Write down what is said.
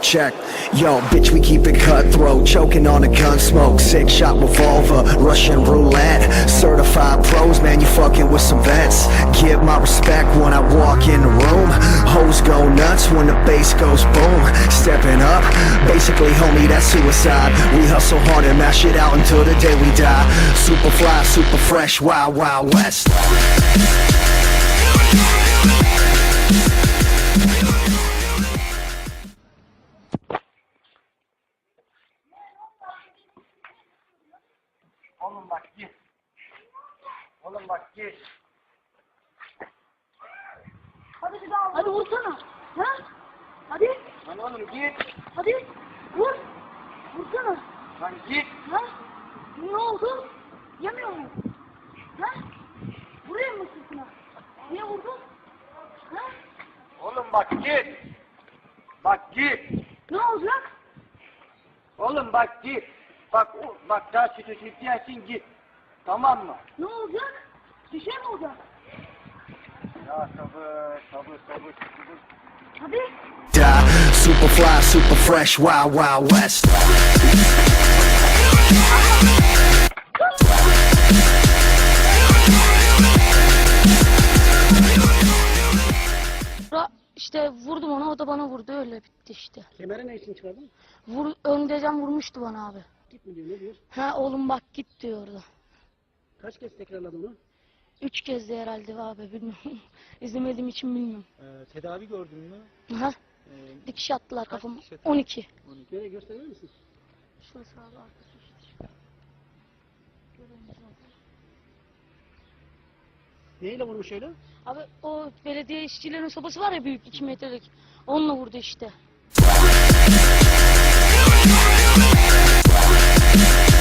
check. Yo, bitch, we keep it cutthroat, choking on the gun smoke. 6-shot revolver, Russian roulette. Certified pros, man, you fucking with some vets. Give my respect when I walk in the room. Hoes go nuts when the bass goes boom. Stepping up, basically, homie, that's suicide. We hustle hard and mash it out until the day we die. Super fly, super fresh, wild, wild west. Oğlum bak git. Oğlum bak git. Hadi bir daha. Hadi vursana. Ha? Hadi. Lan oğlum git. Hadi. Vur. Vursana. Lan git. Ha? Ne oldu? Yemiyor mu? Ha? Vurayım mı sırtına? Niye vurdun? Ha? Oğlum bak git. Bak git. Ne olacak? Oğlum bak git. Bak daha sütü sütüyensin git. Tamam mı? Ne olacak? Bir şey mi olacak? Ya sabır. Hadi. Die, super fly, super fresh, wild, wild west. İşte vurdum ona, o da bana vurdu, öyle bitti işte. Kemere ne için çıkardın? Öndeyken vurmuştu bana abi. Git mi diyor, ne diyor? Ha oğlum bak git diyordu. Kaç kez tekrarladı onu? 3 kez de herhalde abi, bilmiyorum. İzlemediğim için bilmiyorum. Tedavi gördün mü? Ha? Dikiş attılar kafama. dikiş attı? 12. Nereye gösterir misin? Şurası abi arkası işte. Neyle vurmuş öyle? Abi o belediye işçilerin sobası var ya, büyük 2 metrelik. Onunla vurdu işte.